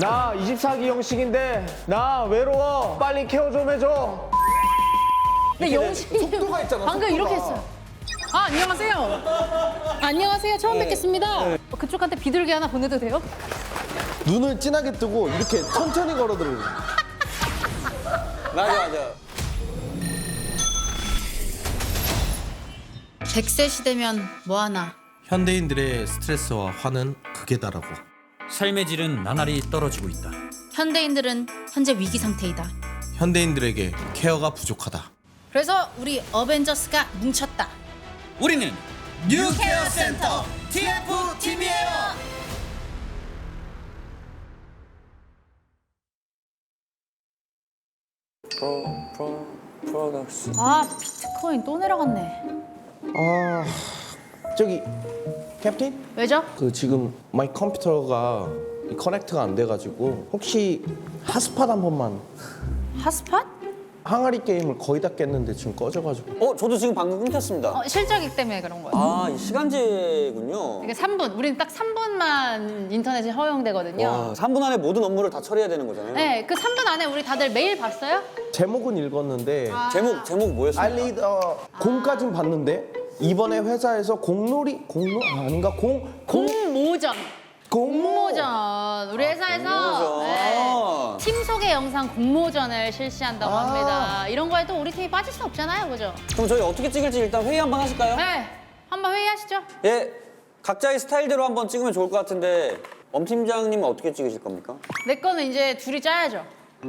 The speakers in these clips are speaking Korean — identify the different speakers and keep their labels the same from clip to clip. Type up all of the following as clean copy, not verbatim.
Speaker 1: 나 24기 형식인데 나 외로워. 빨리 케어 좀 해줘.
Speaker 2: 근데 영식이
Speaker 1: 속도가 있잖아,
Speaker 2: 방금
Speaker 1: 속도가.
Speaker 2: 이렇게 했어요. 아, 안녕하세요. 안녕하세요. 처음 뵙겠습니다. 그쪽한테 비둘기 하나 보내도 돼요?
Speaker 1: 눈을 진하게 뜨고 이렇게 천천히 걸어들어.
Speaker 3: 맞아.
Speaker 4: 100세 시대면 뭐하나.
Speaker 5: 현대인들의 스트레스와 화는 극에 달하고
Speaker 6: 삶의 질은 나날이 떨어지고 있다.
Speaker 4: 현대인들은 현재 위기 상태이다.
Speaker 5: 현대인들에게 케어가 부족하다.
Speaker 4: 그래서 우리 어벤져스가 뭉쳤다.
Speaker 6: 우리는
Speaker 4: 뉴케어 센터
Speaker 6: TF팀이에요.
Speaker 3: 프로덕션.
Speaker 2: 아, 비트코인 또 내려갔네.
Speaker 1: 아, 저기 캡틴?
Speaker 2: 왜죠?
Speaker 1: 그 지금 마이 컴퓨터가 커넥트가 안 돼가지고 혹시 핫스팟 한 번만.
Speaker 2: 핫스팟?
Speaker 1: 항아리 게임을 거의 다 깼는데 지금 꺼져가지고.
Speaker 3: 저도 지금 방금 끊겼습니다.
Speaker 2: 실적이 때문에 그런 거예요.
Speaker 3: 아, 이 시간제군요.
Speaker 2: 이게 3분, 우리는 딱 3분만 인터넷이 허용되거든요.
Speaker 3: 와, 3분 안에 모든 업무를 다 처리해야 되는 거잖아요.
Speaker 2: 네, 그 3분 안에 우리 다들 메일 봤어요?
Speaker 1: 제목은 읽었는데
Speaker 3: 제목 뭐였습니까?
Speaker 1: 알리 공까진 봤는데 이번에 회사에서 공놀이 아닌가
Speaker 2: 공모전. 공모전. 우리 회사에서
Speaker 3: 공모전.
Speaker 2: 네, 팀 소개 영상 공모전을 실시한다고 합니다. 이런 거에 또 우리 팀이 빠질 수 없잖아요, 그죠?
Speaker 3: 그럼 저희 어떻게 찍을지 일단 회의 한번 하실까요?
Speaker 2: 네, 한번 회의하시죠.
Speaker 3: 예, 각자의 스타일대로 한번 찍으면 좋을 것 같은데 엄 팀장님은 어떻게 찍으실 겁니까?
Speaker 2: 내 거는 이제 둘이 짜야죠.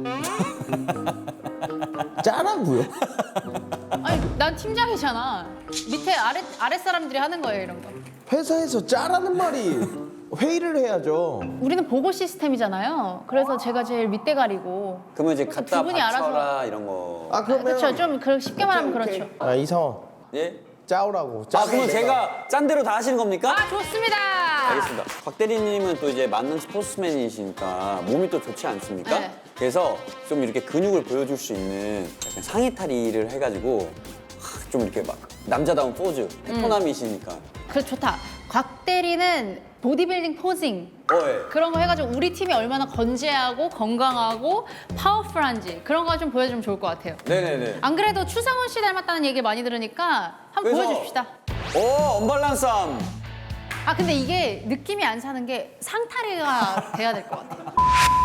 Speaker 1: 짜라고요?
Speaker 2: 아니, 난 팀장이잖아. 밑에 아래 사람들이 하는 거예요, 이런 거.
Speaker 1: 회사에서 짜라는 말이 회의를 해야죠.
Speaker 2: 우리는 보고 시스템이잖아요. 그래서 제가 제일 밑대가리고.
Speaker 3: 그러면 이제
Speaker 2: 두
Speaker 3: 갖다
Speaker 2: 분이
Speaker 3: 바쳐라
Speaker 2: 알아서.
Speaker 3: 이런 거.
Speaker 1: 아 그러면
Speaker 2: 그렇죠. 좀 쉽게 말하면 그렇죠.
Speaker 1: 아 이상원
Speaker 3: 예?
Speaker 1: 짜오라고.
Speaker 3: 아, 그러면 제가 짠 대로 다 하시는 겁니까?
Speaker 2: 아, 좋습니다.
Speaker 3: 알겠습니다. 곽 대리님은 또 이제 만능 스포츠맨이시니까 몸이 또 좋지 않습니까?
Speaker 2: 네.
Speaker 3: 그래서 좀 이렇게 근육을 보여줄 수 있는 약간 상의탈의를 해가지고 좀 이렇게 막 남자다운 포즈, 태포남이시니까.
Speaker 2: 그래, 좋다. 곽 대리는 보디빌딩 포징.
Speaker 3: 예.
Speaker 2: 그런 거 해가지고 우리 팀이 얼마나 건재하고 건강하고 파워풀한지 그런 거 좀 보여주면 좋을 것 같아요.
Speaker 3: 네네네.
Speaker 2: 안 그래도 추상훈 씨 닮았다는 얘기 많이 들으니까 한번
Speaker 3: 그래서-
Speaker 2: 보여줍시다.
Speaker 3: 오, 언밸런스함.
Speaker 2: 아, 근데 이게 느낌이 안 사는 게 상타리가 돼야 될 것 같아요.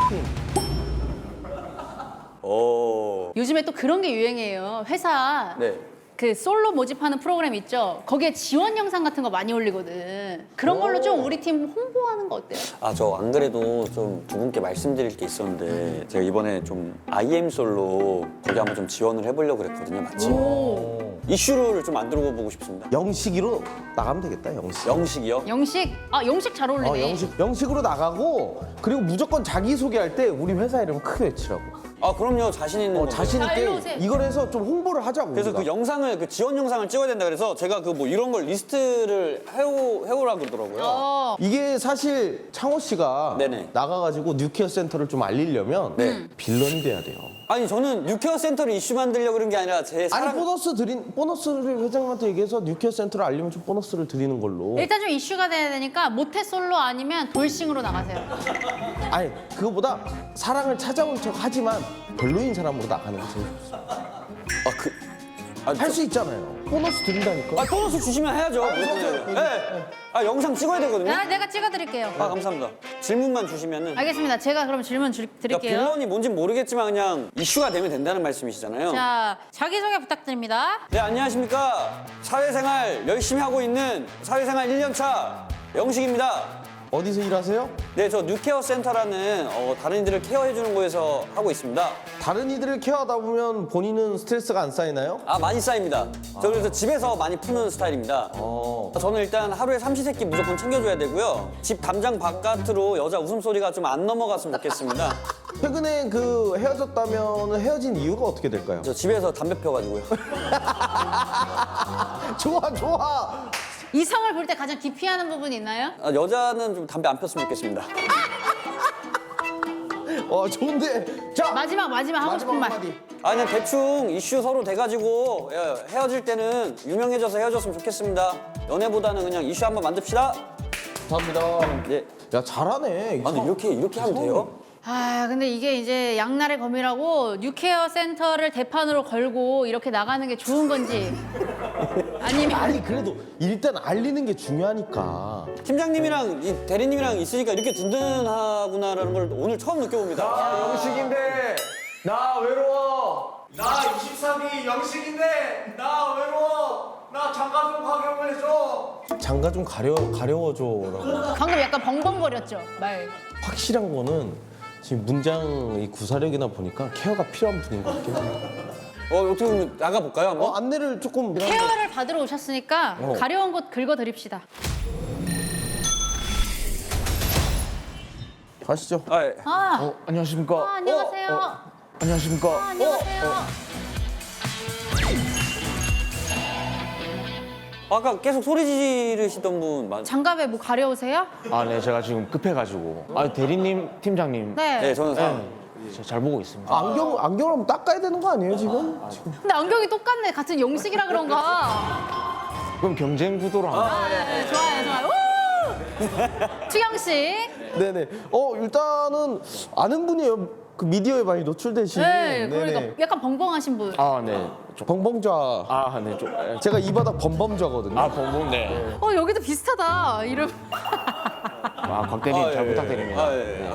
Speaker 3: 오.
Speaker 2: 요즘에 또 그런 게 유행이에요. 회사
Speaker 3: 네.
Speaker 2: 그 솔로 모집하는 프로그램 있죠? 거기에 지원 영상 같은 거 많이 올리거든. 그런 걸로 좀 우리 팀 홍보하는 거 어때요?
Speaker 3: 아, 저 안 그래도 좀 두 분께 말씀드릴 게 있었는데 제가 이번에 좀 IM솔로 거기 한번 좀 지원을 해보려고 그랬거든요, 마침. 이슈를 좀 만들어 보고 싶습니다.
Speaker 1: 영식이로 나가면 되겠다. 영식.
Speaker 3: 영식이요?
Speaker 2: 영식? 아, 영식 잘 어울리네.
Speaker 1: 영식으로 나가고 그리고 무조건 자기 소개할 때 우리 회사 이름 크게 외치라고.
Speaker 3: 아, 그럼요. 자신 있는 거.
Speaker 1: 자신
Speaker 2: 자, 일로
Speaker 1: 있게
Speaker 2: 오세요.
Speaker 1: 이걸 해서 좀 홍보를 하자고.
Speaker 3: 그래서
Speaker 1: 우리가.
Speaker 3: 그 영상을 그 지원 영상을 찍어야 된다 그래서 제가 그 뭐 이런 걸 리스트를 해오라 그러더라고요.
Speaker 1: 이게 사실 창호 씨가
Speaker 3: 네네.
Speaker 1: 나가가지고 뉴케어 센터를 좀 알리려면
Speaker 3: 네.
Speaker 1: 빌런이 돼야 돼요.
Speaker 3: 아니 저는 뉴케어 센터를 이슈 만들려고 그런 게 아니라 제
Speaker 1: 아니
Speaker 3: 사랑.
Speaker 1: 보너스를 회장님한테 얘기해서 뉴케어 센터를 알리면 좀 보너스를 드리는 걸로.
Speaker 2: 일단 좀 이슈가 돼야 되니까 모태솔로 아니면 돌싱으로 나가세요.
Speaker 1: 아니 그거보다 사랑을 찾아온 척 하지만 별로인 사람으로 나가는 게 제일 좋습니다. 할 수 있잖아요. 보너스 드린다니까.
Speaker 3: 보너스 주시면 해야죠. 네. 아, 영상 찍어야 되거든요.
Speaker 2: 내가 찍어드릴게요.
Speaker 3: 아, 감사합니다. 질문만 주시면은.
Speaker 2: 알겠습니다. 제가 그럼 질문
Speaker 3: 그러니까
Speaker 2: 드릴게요.
Speaker 3: 빌런이 뭔진 모르겠지만 그냥 이슈가 되면 된다는 말씀이시잖아요.
Speaker 2: 자, 자기소개 부탁드립니다.
Speaker 3: 네, 안녕하십니까. 사회생활 열심히 하고 있는 사회생활 1년차 영식입니다.
Speaker 1: 어디서 일하세요?
Speaker 3: 네, 저 뉴케어 센터라는 다른 이들을 케어해주는 곳에서 하고 있습니다.
Speaker 1: 다른 이들을 케어하다 보면 본인은 스트레스가 안 쌓이나요?
Speaker 3: 아, 많이 쌓입니다. 저 그래서 집에서 많이 푸는 스타일입니다. 저는 일단 하루에 삼시세끼 무조건 챙겨줘야 되고요. 집 담장 바깥으로 여자 웃음소리가 좀 안 넘어갔으면 좋겠습니다.
Speaker 1: 최근에 그 헤어졌다면 헤어진 이유가 어떻게 될까요?
Speaker 3: 저 집에서 담배 펴가지고요.
Speaker 1: 좋아.
Speaker 2: 이성을 볼 때 가장 기피하는 부분이 있나요?
Speaker 3: 아, 여자는 좀 담배 안 폈으면 좋겠습니다.
Speaker 1: 좋은데. 자,
Speaker 2: 마지막 하고 싶은 말.
Speaker 1: 한마디.
Speaker 3: 아, 그냥 대충 이슈 서로 돼가지고 헤어질 때는 유명해져서 헤어졌으면 좋겠습니다. 연애보다는 그냥 이슈 한번 만듭시다.
Speaker 1: 감사합니다.
Speaker 3: 예.
Speaker 1: 야, 잘하네.
Speaker 3: 아, 근데 이렇게 하면 돼요?
Speaker 2: 아 근데 이게 이제 양날의 검이라고 뉴케어 센터를 대판으로 걸고 이렇게 나가는 게 좋은 건지 아니면
Speaker 1: 아니 그래도 일단 알리는 게 중요하니까.
Speaker 3: 팀장님이랑 이 대리님이랑 있으니까 이렇게 든든하구나라는 걸 오늘 처음 느껴봅니다.
Speaker 7: 영식인데 나 외로워. 나 23이 영식인데 나 외로워. 나 장가 좀 가게 해줘.
Speaker 1: 장가 좀 가려워줘라고.
Speaker 2: 방금 약간 벙벙거렸죠 말.
Speaker 1: 확실한 거는 지금 문장 이 구사력이나 보니까 케어가 필요한 분인 것 같긴 해요.
Speaker 3: 어떻게 보면 나가볼까요 한번?
Speaker 1: 안내를 조금
Speaker 2: 케어를 받으러 오셨으니까 가려운 곳 긁어드립시다.
Speaker 1: 가시죠.
Speaker 3: 아, 예.
Speaker 7: 안녕하십니까.
Speaker 2: 안녕하세요.
Speaker 7: 안녕하십니까.
Speaker 2: 안녕하세요.
Speaker 3: 아까 계속 소리 지르시던 분 맞?
Speaker 2: 장갑에 뭐 가려우세요?
Speaker 7: 아, 네, 제가 지금 급해가지고. 아, 대리님, 팀장님.
Speaker 2: 네.
Speaker 3: 네, 저는
Speaker 7: 제가 잘 보고 있습니다.
Speaker 1: 안경을 한번 닦아야 되는 거 아니에요 지금?
Speaker 2: 근데 안경이 똑같네. 같은 용식이라 그런가.
Speaker 7: 그럼 경쟁 구도로 한번.
Speaker 2: 네, 좋아요. 우! 추경 씨.
Speaker 1: 네네. 일단은 아는 분이에요. 그 미디어에 많이 노출되신.
Speaker 2: 네, 그러니까 약간 벙벙하신 분.
Speaker 7: 아, 네.
Speaker 1: 벙벙좌.
Speaker 7: 아, 네. 좀.
Speaker 1: 제가 이 바닥 범범좌거든요.
Speaker 7: 아, 봉봉, 네.
Speaker 2: 여기도 비슷하다. 이름.
Speaker 7: 아, 곽 대리님 잘 부탁드립니다.
Speaker 3: 아, 예.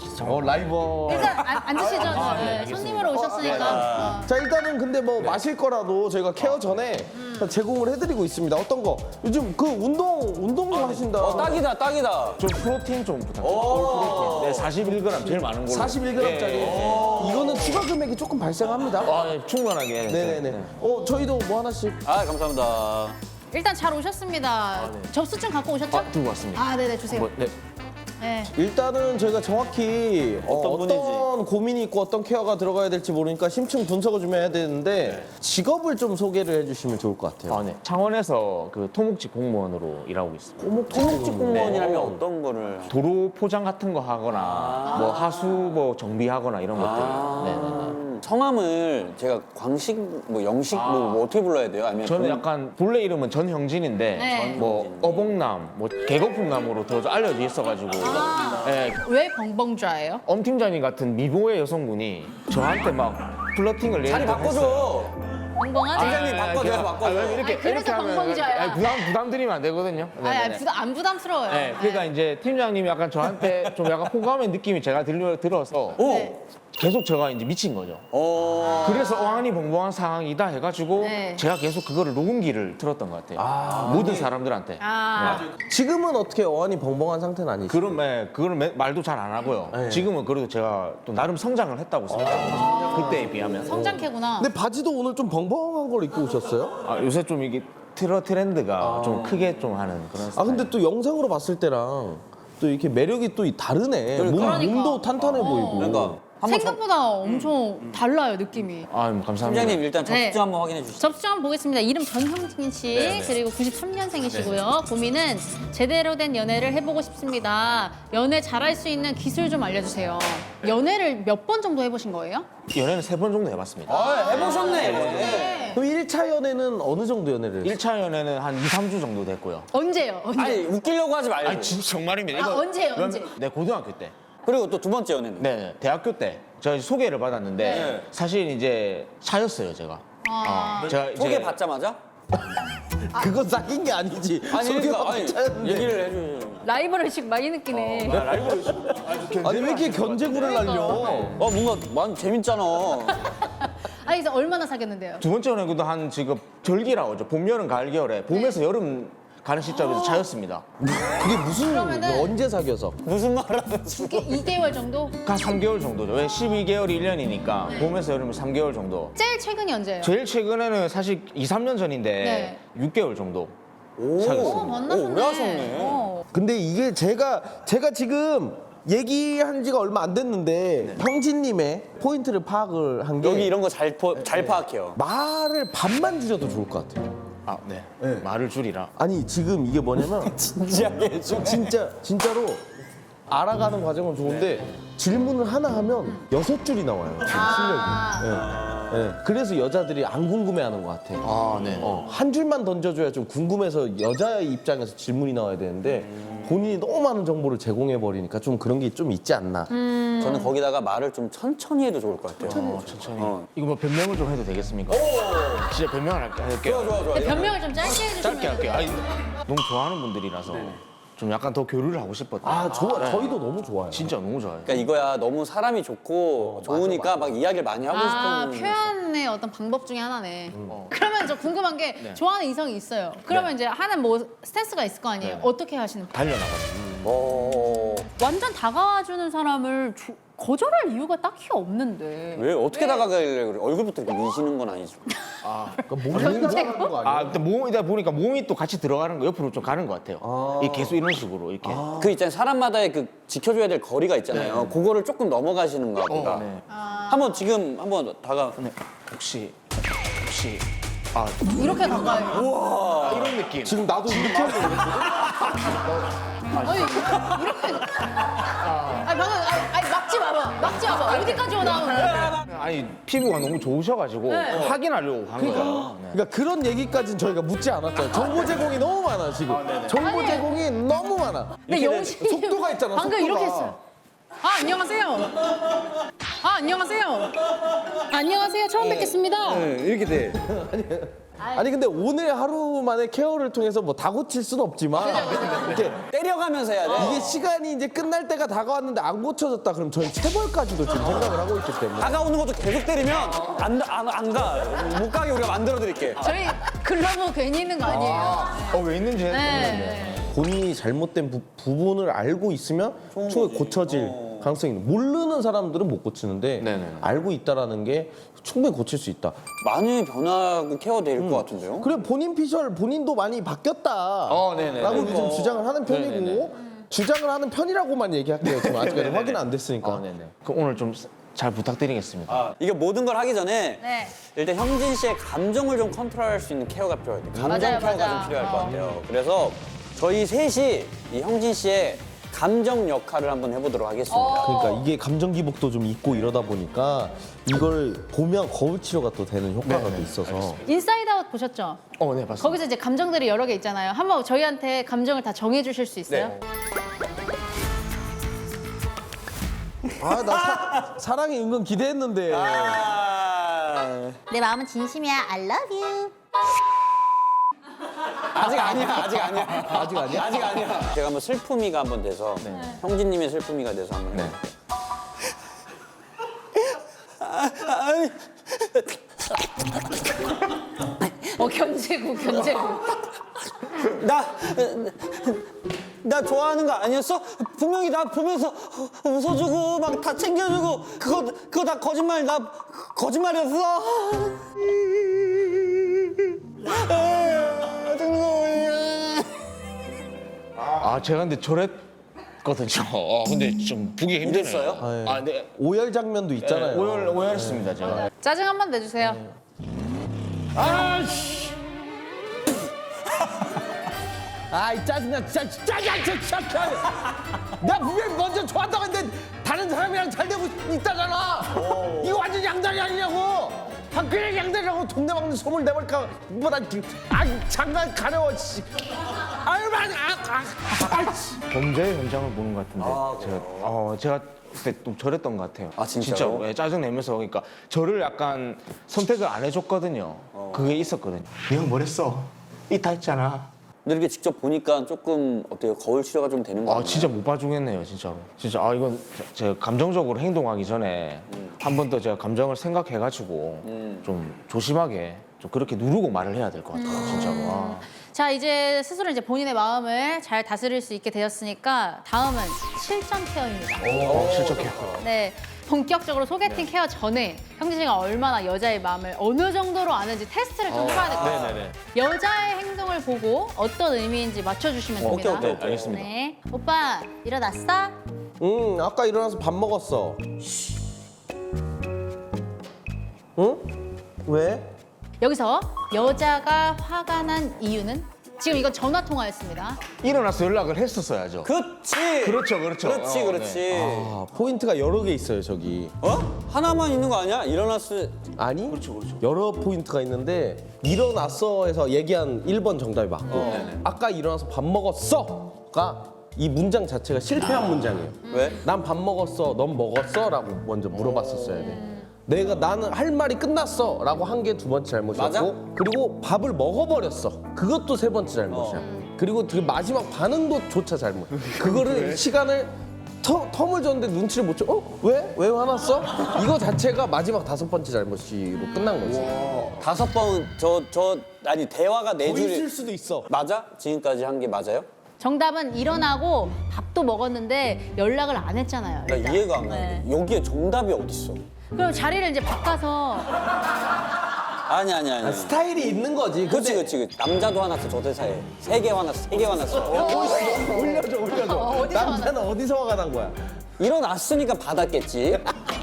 Speaker 1: 라이버.
Speaker 2: 일단 앉으시죠. 네, 손님으로 오셨으니까.
Speaker 1: 자 일단은 근데 뭐 마실 거라도 저희가 케어 전에 제공을 해드리고 있습니다. 어떤 거? 요즘 그 운동 하신다.
Speaker 3: 딱이다.
Speaker 7: 좀 프로틴 좀 부탁드립니다. 네, 41g 제일 많은 걸로.
Speaker 1: 41g짜리. 이거는 추가 금액이 조금 발생합니다.
Speaker 7: 아, 네, 충분하게.
Speaker 1: 네네네. 저희도 뭐 하나씩.
Speaker 3: 아, 감사합니다.
Speaker 2: 일단 잘 오셨습니다. 접수증 갖고 오셨죠?
Speaker 7: 아, 들고 왔습니다.
Speaker 2: 아, 네네, 주세요.
Speaker 7: 뭐, 네.
Speaker 2: 네.
Speaker 1: 일단은 저희가 정확히
Speaker 3: 어떤
Speaker 1: 어떤 고민이 있고 어떤 케어가 들어가야 될지 모르니까 심층 분석을 좀 해야 되는데 직업을 좀 소개를 해주시면 좋을 것 같아요.
Speaker 7: 아, 네. 창원에서 그 토목직 공무원으로 일하고 있습니다.
Speaker 3: 토목직 공무원이라면 어떤 거를?
Speaker 7: 도로 포장 같은 거 하거나 뭐 하수 뭐 정비하거나 이런 것들. 네네네.
Speaker 3: 성함을 제가 광식, 뭐 영식, 뭐 어떻게 불러야 돼요? 아니면
Speaker 7: 저는 약간 본래 이름은 전형진인데
Speaker 2: 네.
Speaker 7: 뭐 어봉남, 뭐 개거품남으로 더 알려져 있어가지고 예,
Speaker 2: 왜 벙벙좌예요?
Speaker 7: 엄 팀장님 같은 미모의 여성분이 저한테 막 플러팅을
Speaker 3: 자리 바꿔줘.
Speaker 2: 벙벙하네.
Speaker 3: 팀장님 바꿔줘요, 바꿔줘.
Speaker 7: 이렇게
Speaker 2: 아니, 그래서
Speaker 7: 하면
Speaker 2: 벙벙자야.
Speaker 7: 아니, 부담 드리면 안 되거든요. 네네네.
Speaker 2: 안 부담스러워요.
Speaker 7: 네, 그러니까 이제 팀장님이 약간 저한테 좀 약간 호감의 느낌이 제가 들어서
Speaker 2: 네.
Speaker 7: 계속 제가 이제 미친 거죠. 그래서 어안이 벙벙한 상황이다 해가지고
Speaker 2: 네.
Speaker 7: 제가 계속 그거를 녹음기를 틀었던 것 같아요. 모든 사람들한테.
Speaker 1: 지금은 어떻게 어안이 벙벙한 상태는 아니죠?
Speaker 7: 그거는 말도 잘 안 하고요. 지금은 그래도 제가 또 나름 성장을 했다고 생각합니다. 그때에 비하면.
Speaker 2: 성장캐구나.
Speaker 1: 근데 바지도 오늘 좀 벙벙한 걸 입고 오셨어요?
Speaker 7: 아, 요새 좀 이게 트렌드가 좀 크게 좀 하는 그런 스타일.
Speaker 1: 근데 또 영상으로 봤을 때랑 또 이렇게 매력이 또 다르네.
Speaker 2: 그러니까.
Speaker 1: 몸도 탄탄해 보이고.
Speaker 3: 그러니까
Speaker 2: 생각보다 엄청 달라요, 느낌이.
Speaker 7: 아, 감사합니다.
Speaker 3: 팀장님 일단 접수증
Speaker 2: 네.
Speaker 3: 한번 확인해 주시죠.
Speaker 2: 접수증 한번 보겠습니다. 이름 전형진 씨, 그리고 93년생이시고요. 고민은 제대로 된 연애를 해보고 싶습니다. 연애 잘할 수 있는 기술 좀 알려주세요. 연애를 몇 번 정도 해보신 거예요?
Speaker 7: 연애는 3번 정도 해봤습니다.
Speaker 3: 해보셨네.
Speaker 1: 그럼 1차 연애는 어느 정도 연애를 했어요?
Speaker 7: 1차 연애는 한 2, 3주 정도 됐고요.
Speaker 2: 언제요? 언제?
Speaker 3: 아니 웃기려고 하지 말고.
Speaker 7: 아니, 진짜 정말입니다.
Speaker 2: 아, 언제요? 언제?
Speaker 7: 네, 고등학교 때.
Speaker 3: 그리고 또 두 번째 연애는?
Speaker 7: 네, 대학교 때. 제가 소개를 받았는데 사실 이제 차였어요, 제가. 제가 이제
Speaker 3: 소개 받자마자?
Speaker 1: 그거 사귄 게 아니지.
Speaker 3: 아니 그러니까 아니,
Speaker 1: 차였는데.
Speaker 3: 얘기를 해주세요.
Speaker 2: 라이벌의식 많이 느끼네.
Speaker 1: 아니 왜 이렇게 견제구를 날려?
Speaker 3: 뭔가 많이 재밌잖아.
Speaker 2: 아니, 이제 얼마나 사귀었는데요?
Speaker 7: 두 번째 연애도 한 지금 절기라고 하죠. 봄, 여름, 가을, 겨울에. 봄에서 여름 가는 시점에서 차였습니다.
Speaker 1: 그게 무슨
Speaker 2: 그러면은-
Speaker 1: 언제 사귀어서?
Speaker 3: 무슨 말을 하는 거야?
Speaker 2: 2개월 정도?
Speaker 7: 한 3개월 정도죠. 왜 12개월이 1년이니까 봄에서 여름은 3개월 정도.
Speaker 2: 제일 최근이 언제예요?
Speaker 7: 제일 최근에는 사실 2, 3년 전인데
Speaker 2: 네.
Speaker 7: 6개월 정도.
Speaker 2: 오, 만나셨네.
Speaker 3: 오래 하셨네.
Speaker 2: 어.
Speaker 1: 근데 이게 제가 지금 얘기한 지가 얼마 안 됐는데 형진님의 포인트를 파악을 한 게
Speaker 3: 여기 이런 거 잘 파악해요.
Speaker 1: 말을 반만 줄여도 좋을 것 같아요.
Speaker 7: 아, 네. 말을 줄이라.
Speaker 1: 아니 지금 이게 뭐냐면
Speaker 3: 진지하게 해줘.
Speaker 1: 진짜로 알아가는 과정은 좋은데 질문을 하나 하면 6줄이 나와요. 지금 실력이. 예. 그래서 여자들이 안 궁금해하는 것 같아.
Speaker 7: 아, 네.
Speaker 1: 한 줄만 던져줘야 좀 궁금해서 여자의 입장에서 질문이 나와야 되는데 본인이 너무 많은 정보를 제공해 버리니까 좀 그런 게 좀 있지 않나.
Speaker 3: 저는 거기다가 말을 좀 천천히 해도 좋을 것 같아요.
Speaker 8: 천천히.
Speaker 3: 어.
Speaker 8: 이거 뭐 변명을 좀 해도 되겠습니까? 진짜 변명을 할게요.
Speaker 3: 좋아.
Speaker 2: 변명을 좀 짧게 해주시면
Speaker 8: 짧게 할게요. 아니, 너무 좋아하는 분들이라서 좀 약간 더 교류를 하고 싶었다.
Speaker 1: 아, 저희도 너무 좋아요.
Speaker 8: 진짜 너무 좋아요.
Speaker 3: 그러니까 이거야 너무 사람이 좋고 좋으니까 막 이야기를 많이 하고 싶은.
Speaker 2: 표현의 어떤 방법 중에 하나네. 그러면 저 궁금한 게 좋아하는 이성이 있어요. 그러면 이제 하는 뭐 스탠스가 있을 거 아니에요. 어떻게 하시는 거예요?
Speaker 8: 달려나가요.
Speaker 2: 완전 다가와주는 사람을 거절할 이유가 딱히 없는데.
Speaker 3: 왜 어떻게 다가가길래 그래? 얼굴부터 이렇게 미시는 건 아니죠.
Speaker 2: 견제고?
Speaker 1: 거
Speaker 8: 일단 몸이다 보니까 몸이 또 같이 들어가는 거 옆으로 좀 가는 것 같아요. 이 계속 이런 식으로 이렇게.
Speaker 3: 그 있잖아요. 사람마다의 그 지켜줘야 될 거리가 있잖아요. 그거를 조금 넘어가시는가 보다.
Speaker 8: 네.
Speaker 3: 한번 지금 한번 다가.
Speaker 8: 혹시
Speaker 2: 이렇게 가까이.
Speaker 8: 이런 느낌.
Speaker 1: 지금 나도 이렇게 하려고 했거든?
Speaker 2: 아니, 이렇게. 아니, 막지 마봐. 어디까지 오나?
Speaker 8: 아니 피부가 너무 좋으셔가지고 확인하려고 한 거예요. 네.
Speaker 1: 그러니까 그런 얘기까지는 저희가 묻지 않았죠. 정보 제공이 너무 많아, 지금. 정보 제공이 너무 많아.
Speaker 2: 근데 영신이
Speaker 1: 속도가 있잖아,
Speaker 2: 방금
Speaker 1: 속도가.
Speaker 2: 이렇게 했어요. 안녕하세요. 안녕하세요. 처음 뵙겠습니다.
Speaker 3: 이렇게 돼.
Speaker 1: 아니, 근데 오늘 하루 만에 케어를 통해서 뭐 다 고칠 수는 없지만 이렇게
Speaker 3: 때려가면서 해야 돼.
Speaker 1: 이게 시간이 이제 끝날 때가 다가왔는데 안 고쳐졌다 그럼 저희 체벌까지도 지금 생각을 하고 있기 때문에.
Speaker 3: 다가오는 것도 계속 때리면 안 가. 못 가게 우리가 만들어 드릴게.
Speaker 2: 저희 글러브 괜히 있는 거 아니에요.
Speaker 8: 왜 있는지
Speaker 2: 네.
Speaker 1: 본인이 잘못된 부분을 알고 있으면 충분히 고쳐질 가능성이 있는. 모르는 사람들은 못 고치는데
Speaker 8: 네네.
Speaker 1: 알고 있다라는 게 충분히 고칠 수 있다.
Speaker 3: 많이 변하고 케어될 것 같은데요?
Speaker 1: 그래, 본인 피셜 본인도 많이 바뀌었다.
Speaker 8: 네네.
Speaker 1: 라고 요즘 주장을 하는 편이고
Speaker 8: 네네네.
Speaker 1: 주장을 하는 편이라고만 얘기할게요. 지금 아직까지
Speaker 8: 네네네.
Speaker 1: 확인 안 됐으니까.
Speaker 8: 네네. 그럼 오늘 좀 잘 부탁드리겠습니다.
Speaker 3: 이게 모든 걸 하기 전에
Speaker 2: 네.
Speaker 3: 일단 형진 씨의 감정을 좀 컨트롤할 수 있는 케어가 필요해요. 감정
Speaker 2: 맞아요,
Speaker 3: 케어가
Speaker 2: 맞아.
Speaker 3: 좀 필요할 것 같아요. 그래서 저희 셋이 이 형진 씨의 감정 역할을 한번 해보도록 하겠습니다.
Speaker 1: 그러니까 이게 감정 기복도 좀 있고 이러다 보니까 이걸 보면 거울 치료가 또 되는 효과가 또 있어서.
Speaker 2: 인사이드 아웃 보셨죠?
Speaker 8: 네, 맞습니다.
Speaker 2: 거기서 이제 감정들이 여러 개 있잖아요. 한번 저희한테 감정을 다 정해 주실 수 있어요?
Speaker 1: 아, 나 사랑이 은근 기대했는데.
Speaker 2: 내 마음은 진심이야. I love you.
Speaker 3: 아직 아니야.
Speaker 1: 아직 아니야?
Speaker 3: 아직 아니야. 제가 한번 슬픔이가 한번 돼서 형진님의 슬픔이가 돼서 한번 해볼게요.
Speaker 2: 견제구.
Speaker 3: 나 좋아하는 거 아니었어? 분명히 나 보면서 웃어주고 막 다 챙겨주고 그거 다 거짓말. 나 거짓말이었어.
Speaker 8: 제가 근데 저랬거든요. 근데 좀 보기 힘드네요.
Speaker 3: 이랬어요?
Speaker 8: 네.
Speaker 1: 오열 장면도 있잖아요.
Speaker 8: 오열했습니다, 제가.
Speaker 2: 짜증 한번 내주세요.
Speaker 1: 아이, 짜증나, 진짜. 내가 분명히 먼저 좋아한다고 했는데 다른 사람이랑 잘 되고 있다잖아. 이거 완전 양다리 아니냐고. 그냥 양다리라고 동네 막는 소문 내볼까. 뭐라, 장난 가려워, 씨. 아유, 씨.
Speaker 8: 범죄 현장을 보는 것 같은데 제가 그때 좀 저랬던 것 같아요.
Speaker 3: 진짜요?
Speaker 8: 진짜 짜증 내면서 그러니까 저를 약간 선택을 안 해줬거든요. 그게 있었거든요. 내가 뭐랬어? 이다 했잖아.
Speaker 3: 근데 이렇게 직접 보니까 조금 어때요? 거울 치료가 좀 되는 거 같아요.
Speaker 8: 진짜 못 봐주겠네요, 진짜로. 진짜 이건 제가 감정적으로 행동하기 전에 한 번 더 제가 감정을 생각해가지고 좀 조심하게 좀 그렇게 누르고 말을 해야 될 것 같아요, 진짜로.
Speaker 2: 자, 이제 스스로 이제 본인의 마음을 잘 다스릴 수 있게 되었으니까 다음은 실전 케어입니다.
Speaker 8: 실적해요.
Speaker 2: 네. 본격적으로 소개팅 케어 전에 형진 씨가 얼마나 여자의 마음을 어느 정도로 아는지 테스트를 좀 해봐야 될 것 같아요.
Speaker 8: 네네네.
Speaker 2: 여자의 행동을 보고 어떤 의미인지 맞춰주시면 됩니다.
Speaker 3: 오케이.
Speaker 8: 알겠습니다.
Speaker 2: 네. 오빠, 일어났어?
Speaker 1: 아까 일어나서 밥 먹었어. 응? 왜?
Speaker 2: 여기서 여자가 화가 난 이유는? 지금 이건 전화 통화였습니다.
Speaker 8: 일어나서 연락을 했었어야죠.
Speaker 3: 그렇지.
Speaker 8: 그렇죠.
Speaker 3: 그렇지.
Speaker 1: 포인트가 여러 개 있어요, 저기.
Speaker 3: 하나만 있는 거 아니야? 일어났을
Speaker 1: 아니, 여러 포인트가 있는데 일어났어에서 얘기한 1번 정답이 맞고 아까 일어나서 밥 먹었어가 이 문장 자체가 실패한 문장이에요.
Speaker 3: 왜?
Speaker 1: 난 밥 먹었어, 넌 먹었어? 라고 먼저 물어봤었어야 돼. 나는 할 말이 끝났어 라고 한 게 두 번째 잘못이었고
Speaker 3: 맞아?
Speaker 1: 그리고 밥을 먹어버렸어. 그것도 세 번째 잘못이야. 그리고 그 마지막 반응도 조차 잘못. 그거를 시간을 텀을 줬는데 눈치를 못 줘. 왜? 왜 화났어? 이거 자체가 마지막 다섯 번째 잘못으로 끝난 거지.
Speaker 3: 다섯 번 아니 대화가 네
Speaker 1: 더 있을
Speaker 3: 줄이
Speaker 1: 수도 있어.
Speaker 3: 맞아? 지금까지 한 게 맞아요?
Speaker 2: 정답은 일어나고 밥도 먹었는데 연락을 안 했잖아요.
Speaker 3: 나
Speaker 2: 일단.
Speaker 3: 이해가 안 가는데
Speaker 2: 네.
Speaker 3: 여기에 정답이 어딨어?
Speaker 2: 그럼 자리를 이제 바꿔서
Speaker 3: 아니.
Speaker 1: 스타일이 있는 거지.
Speaker 3: 그치. 남자도 화났어, 저 대사에. 3개 화났어, 3개 화났어.
Speaker 1: 올려줘.
Speaker 2: 어디서
Speaker 1: 남자는 어디서 화가 난 거야?
Speaker 3: 일어났으니까 받았겠지.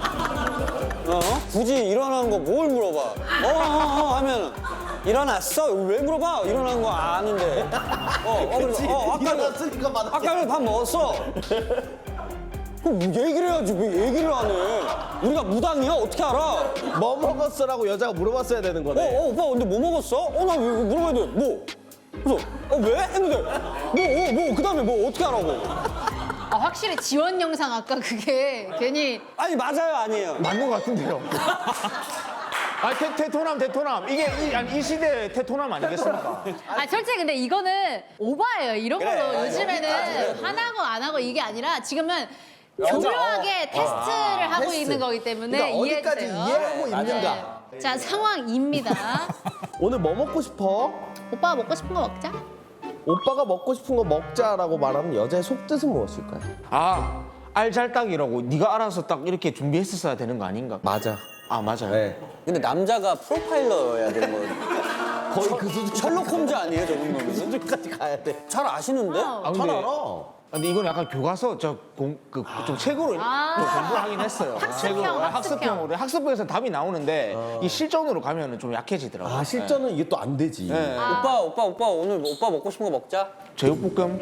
Speaker 3: 굳이 일어난 거 뭘 물어봐. 하면 일어났어? 왜 물어봐? 일어난 거 아는데. 그래서
Speaker 1: 일어났으니까 받았겠지.
Speaker 3: 아까 전에 밥 먹었어. 그럼 얘기를 해야지 왜 얘기를 안 해? 우리가 무당이야? 어떻게 알아?
Speaker 1: 뭐 먹었어라고 여자가 물어봤어야 되는 거네.
Speaker 3: 오빠 근데 뭐 먹었어? 나 왜 물어봐야 돼? 뭐? 그래서 왜? 했는데 그 다음에 뭐 어떻게 하라고?
Speaker 2: 확실히 지원 영상 아까 그게 괜히
Speaker 3: 아니 맞아요 아니에요?
Speaker 8: 맞는 것 같은데요. 아, 테토남. 이게 이 시대의 테토남 아니겠습니까?
Speaker 2: 솔직히 근데 이거는 오바예요. 이런
Speaker 3: 그래,
Speaker 2: 걸로
Speaker 3: 맞아.
Speaker 2: 요즘에는 화나고 안 하고 이게 아니라 지금은 교묘하게 테스트를 하고
Speaker 1: 테스트.
Speaker 2: 있는 거기 때문에
Speaker 1: 그러니까 어디까지
Speaker 2: 이해해주세요.
Speaker 1: 이해하고 있는가.
Speaker 2: 네. 자, 상황입니다.
Speaker 1: 오늘 뭐 먹고 싶어?
Speaker 2: 오빠가 먹고 싶은 거 먹자.
Speaker 1: 오빠가 먹고 싶은 거 먹자라고 말하면 여자의 속뜻은 무엇일까요?
Speaker 8: 알잘딱이라고 네가 알아서 딱 이렇게 준비했었어야 되는 거 아닌가?
Speaker 1: 맞아.
Speaker 8: 아, 맞아요.
Speaker 1: 네.
Speaker 3: 근데 남자가 프로파일러여야 되는 거예요.
Speaker 1: 거의 그 수준.
Speaker 3: 셜록 홈즈 아니에요 저 정도면?
Speaker 1: 수준까지 가야 돼.
Speaker 3: 잘 아시는데?
Speaker 8: 아,
Speaker 1: 잘 알아.
Speaker 8: 근데 이건 약간 교과서 좀 책으로 좀 공부하긴 했어요. 학습형으로 학습부에서 답이 나오는데 이 실전으로 가면은 좀 약해지더라고요.
Speaker 1: 실전은 이게 또 안 되지.
Speaker 8: 네.
Speaker 3: 오빠 오늘 오빠 먹고 싶은 거 먹자.
Speaker 8: 제육볶음.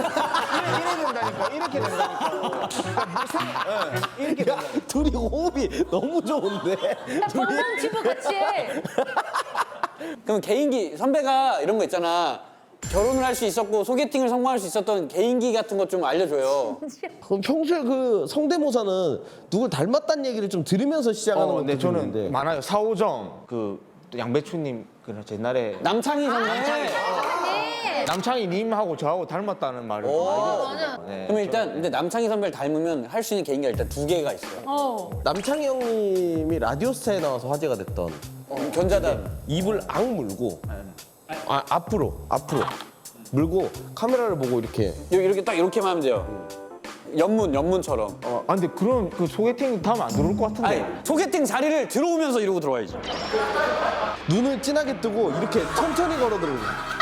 Speaker 8: 이렇게 된다니까. 이렇게
Speaker 1: 야, 둘이 호흡이 너무 좋은데.
Speaker 2: 뻥뻥 치고 같이 해.
Speaker 3: 그럼 개인기 선배가 이런 거 있잖아. 결혼을 할 수 있었고 소개팅을 성공할 수 있었던 개인기 같은 것 좀 알려줘요.
Speaker 1: 그럼 평소에 그 성대모사는 누굴 닮았다는 얘기를 좀 들으면서 시작하는 것도
Speaker 8: 근데 저는
Speaker 1: 있는데.
Speaker 8: 많아요. 사오정 또 양배추님 옛날에
Speaker 3: 남창희 선배.
Speaker 8: 남창희 님하고 저하고 닮았다는 말을 좀 많이 들었어요. 네.
Speaker 3: 그럼 일단 근데 남창희 선배를 닮으면 할 수 있는 개인기가 일단 2개가 있어요.
Speaker 1: 남창희 형님이 라디오스타에 나와서 화제가 됐던
Speaker 3: 견자단.
Speaker 1: 입을 악 물고 앞으로 물고 카메라를 보고 이렇게
Speaker 3: 이렇게 딱 이렇게만 하면 돼요. 연문처럼.
Speaker 8: 근데 그런 그 소개팅 다음 안 들어올 것 같은데.
Speaker 3: 아니 소개팅 자리를 들어오면서 이러고 들어와야지.
Speaker 1: 눈을 진하게 뜨고 이렇게 천천히 걸어들고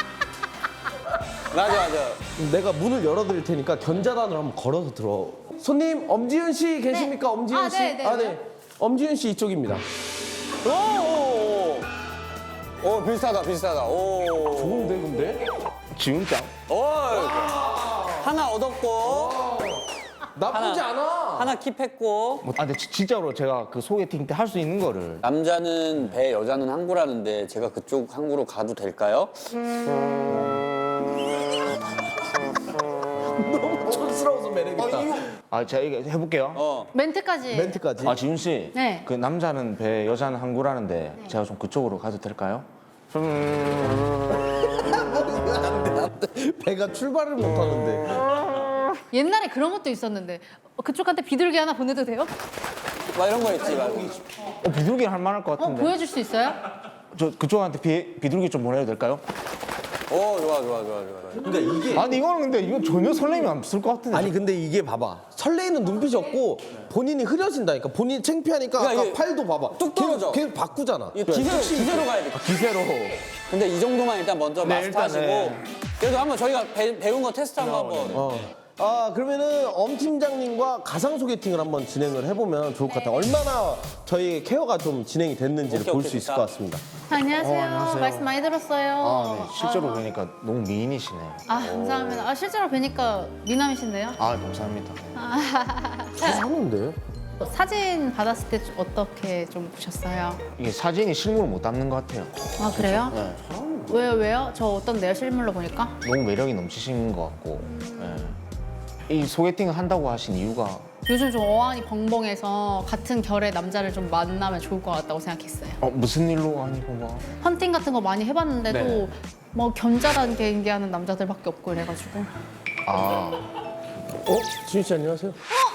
Speaker 3: 맞아.
Speaker 1: 내가 문을 열어드릴 테니까 견자단으로 한번 걸어서 들어. 손님 엄지윤 씨 계십니까?
Speaker 2: 네.
Speaker 1: 엄지윤 씨?
Speaker 2: 네.
Speaker 1: 엄지윤 씨 이쪽입니다.
Speaker 3: 오 비슷하다. 오.
Speaker 1: 좋은데 근데?
Speaker 8: 지훈짱.
Speaker 3: 하나 얻었고
Speaker 1: 나쁘지 않아.
Speaker 3: 하나 킵했고.
Speaker 8: 근데 진짜로 제가 그 소개팅 때 할 수 있는 거를
Speaker 3: 남자는 배, 여자는 항구라는데 제가 그쪽 항구로 가도 될까요?
Speaker 1: 너무 촌스러워서 매력있다.
Speaker 8: 제가 이거 해볼게요.
Speaker 2: 멘트까지.
Speaker 1: 멘트까지.
Speaker 8: 지훈 씨.
Speaker 2: 네.
Speaker 8: 그 남자는 배, 여자는 항구라는데 제가 좀 그쪽으로 가도 될까요?
Speaker 1: 배가 출발을 못하는데.
Speaker 2: 옛날에 그런 것도 있었는데 그쪽한테 비둘기 하나 보내도 돼요?
Speaker 3: 막 이런 거 있지. 막.
Speaker 8: 비둘기 할 만할 것 같은데.
Speaker 2: 보여줄 수 있어요?
Speaker 8: 저 그쪽한테 비둘기 좀 보내도 될까요?
Speaker 3: 오 좋아.
Speaker 1: 그러니까 이게
Speaker 8: 아니 이거는 근데 이건 전혀 설렘이 없을 것 같은데.
Speaker 1: 아니 근데 이게 봐봐 설레이는 눈빛이 없고 본인이 흐려진다니까 본인이 창피하니까
Speaker 3: 그러니까
Speaker 1: 아까
Speaker 3: 이게
Speaker 1: 팔도 봐봐
Speaker 3: 뚝 떨어져.
Speaker 1: 계속 바꾸잖아.
Speaker 3: 기세로 가야 돼.
Speaker 8: 기세로.
Speaker 3: 근데 이 정도만 일단 먼저 마스터하시고
Speaker 8: 일단,
Speaker 3: 그래도 한번 저희가 배운 거 테스트 한번.
Speaker 1: 그러면은 엄 팀장님과 가상 소개팅을 한번 진행을 해보면 좋을 것 같아요. 얼마나 저희 케어가 좀 진행이 됐는지를 볼 수 있을 것 같습니다.
Speaker 2: 안녕하세요.
Speaker 8: 안녕하세요.
Speaker 2: 말씀 많이 들었어요.
Speaker 8: 네. 실제로 뵈니까 너무 미인이시네.
Speaker 2: 감사합니다. 실제로 뵈니까 미남이신데요?
Speaker 8: 감사합니다.
Speaker 1: 하는데
Speaker 2: 사진 받았을 때 어떻게 좀 보셨어요?
Speaker 8: 이게 사진이 실물을 못 담는 것 같아요.
Speaker 2: 그래요?
Speaker 8: 네.
Speaker 2: 왜요? 저 어떤데요? 실물로 보니까?
Speaker 8: 너무 매력이 넘치신 것 같고. 네. 이 소개팅을 한다고 하신 이유가
Speaker 2: 요즘 좀 어안이 벙벙해서 같은 결의 남자를 좀 만나면 좋을 것 같다고 생각했어요.
Speaker 8: 무슨 일로 아니고 뭐
Speaker 2: 헌팅 같은 거 많이 해봤는데도
Speaker 8: 네.
Speaker 2: 뭐 견자단계 얘기하는 남자들밖에 없고 이래가지고.
Speaker 1: 지윤 씨 안녕하세요.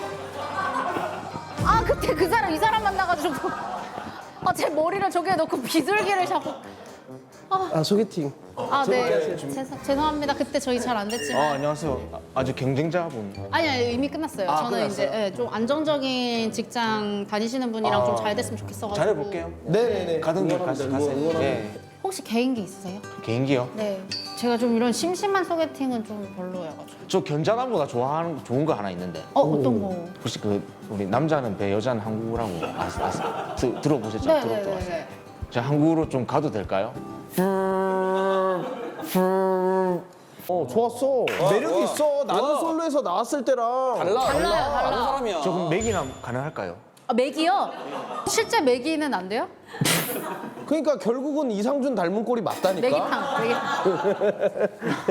Speaker 2: 아 그때 그 사람 이 사람 만나가지고 제 머리를 저기에 넣고 비둘기를 자꾸.
Speaker 1: 아 소개팅.
Speaker 2: 네. 죄송합니다. 그때 저희 잘 안 됐지만.
Speaker 8: 안녕하세요. 아주 경쟁자분.
Speaker 2: 아니 이미 끝났어요. 저는
Speaker 8: 끝났어요?
Speaker 2: 이제 좀 안정적인 직장 다니시는 분이랑 좀 잘 됐으면 좋겠어가지고.
Speaker 8: 잘해볼게요.
Speaker 1: 네네네.
Speaker 8: 가던 길
Speaker 1: 응원합니다.
Speaker 8: 가세요.
Speaker 1: 응원합니다.
Speaker 8: 예.
Speaker 2: 혹시 개인기 있으세요?
Speaker 8: 개인기요?
Speaker 2: 네. 제가 좀 이런 심심한 소개팅은 좀 별로여가지고.
Speaker 8: 저 견자단보다 좋은 거 하나 있는데
Speaker 2: 어떤 거?
Speaker 8: 혹시 우리 남자는 배 여자는 항구라고 들어보셨죠?
Speaker 2: 네네네.
Speaker 8: 제가 항구로 좀 가도 될까요?
Speaker 1: 좋았어. 매력 있어. 나는 솔로에서 나왔을 때랑
Speaker 2: 달라요.
Speaker 3: 다른 사람이야.
Speaker 8: 저 그럼 맥이나 가능할까요?
Speaker 2: 맥이요? 실제 맥이는 안 돼요?
Speaker 1: 그러니까 결국은 이상준 닮은 꼴이 맞다니까.
Speaker 2: 맥이탕.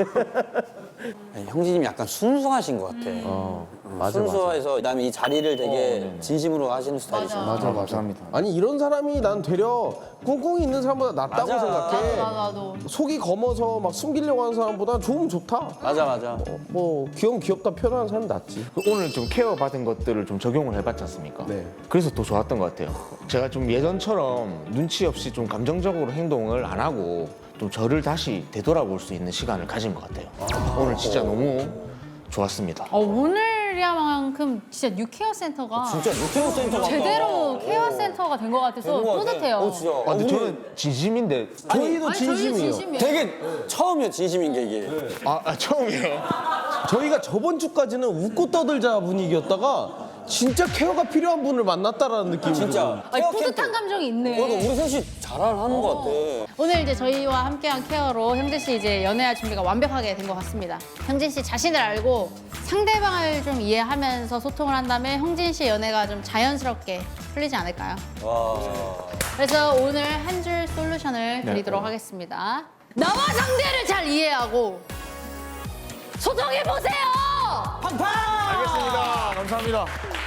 Speaker 3: 형제님이 약간 순수하신 것 같아. 순수해서 그다음에 이 자리를 되게 진심으로 하시는 스타일이죠.
Speaker 1: 맞아.
Speaker 8: 감사합니다.
Speaker 1: 아니 이런 사람이 난 되려 꿍꿍이 있는 사람보다 낫다고
Speaker 3: 맞아.
Speaker 1: 생각해.
Speaker 2: 나도.
Speaker 1: 속이 검어서 막 숨기려고 하는 사람보다 좋으면 좋다.
Speaker 3: 맞아.
Speaker 1: 뭐 귀엽다 표현하는 사람이 낫지.
Speaker 8: 오늘 좀 케어 받은 것들을 좀 적용을 해봤지 않습니까?
Speaker 1: 네.
Speaker 8: 그래서 더 좋았던 것 같아요. 제가 좀 예전처럼 눈치 없이 좀 감정적으로 행동을 안 하고 좀 저를 다시 되돌아볼 수 있는 시간을 가진 것 같아요. 오늘 진짜 너무 좋았습니다.
Speaker 2: 오늘이야만큼 진짜 뉴케어 센터가
Speaker 3: 진짜 루테오 센터 같다.
Speaker 2: 제대로 케어 센터가 된 것 같아서 뿌듯해요.
Speaker 3: 진짜.
Speaker 8: 근데 저는 진심인데
Speaker 1: 저희도
Speaker 2: 아니, 저희
Speaker 1: 진심이에요.
Speaker 2: 진심이에요.
Speaker 3: 되게 처음이야 진심인 게 이게.
Speaker 8: 처음이에요.
Speaker 1: 저희가 저번 주까지는 웃고 떠들자 분위기였다가 진짜 케어가 필요한 분을 만났다라는 느낌이
Speaker 3: 진짜.
Speaker 2: 아니, 뿌듯한 감정이 있네.
Speaker 3: 그러니까 우리 셋이 잘하는 것 같아.
Speaker 2: 오늘 이제 저희와 함께한 케어로 형진 씨 이제 연애할 준비가 완벽하게 된 것 같습니다. 형진 씨 자신을 알고 상대방을 좀 이해하면서 소통을 한 다음에 형진 씨의 연애가 좀 자연스럽게 풀리지 않을까요?
Speaker 3: 와.
Speaker 2: 그래서 오늘 한 줄 솔루션을 드리도록 하겠습니다. 나와 상대를 잘 이해하고 소통해 보세요.
Speaker 8: 알겠습니다. 감사합니다.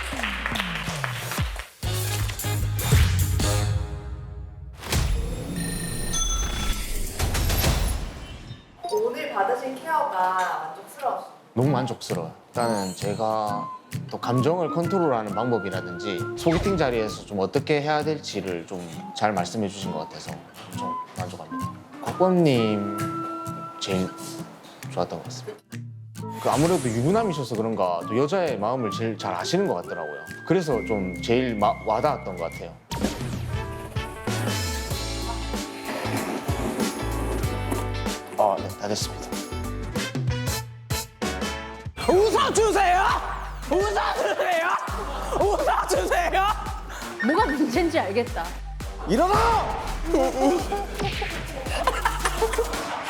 Speaker 9: 오늘 받으신 케어가 만족스러우시죠?
Speaker 8: 너무 만족스러워요. 일단은 제가 또 감정을 컨트롤하는 방법이라든지 소개팅 자리에서 좀 어떻게 해야 될지를 좀 잘 말씀해 주신 것 같아서 좀 만족합니다. 곽범님 제일 좋았던 것 같습니다. 아무래도 유부남이셔서 그런가 또 여자의 마음을 제일 잘 아시는 것 같더라고요. 그래서 좀 제일 와닿았던 것 같아요. 네, 다 됐습니다.
Speaker 1: 웃어주세요. 웃어주세요. 웃어주세요.
Speaker 2: 뭐가 문제인지 알겠다.
Speaker 1: 일어나.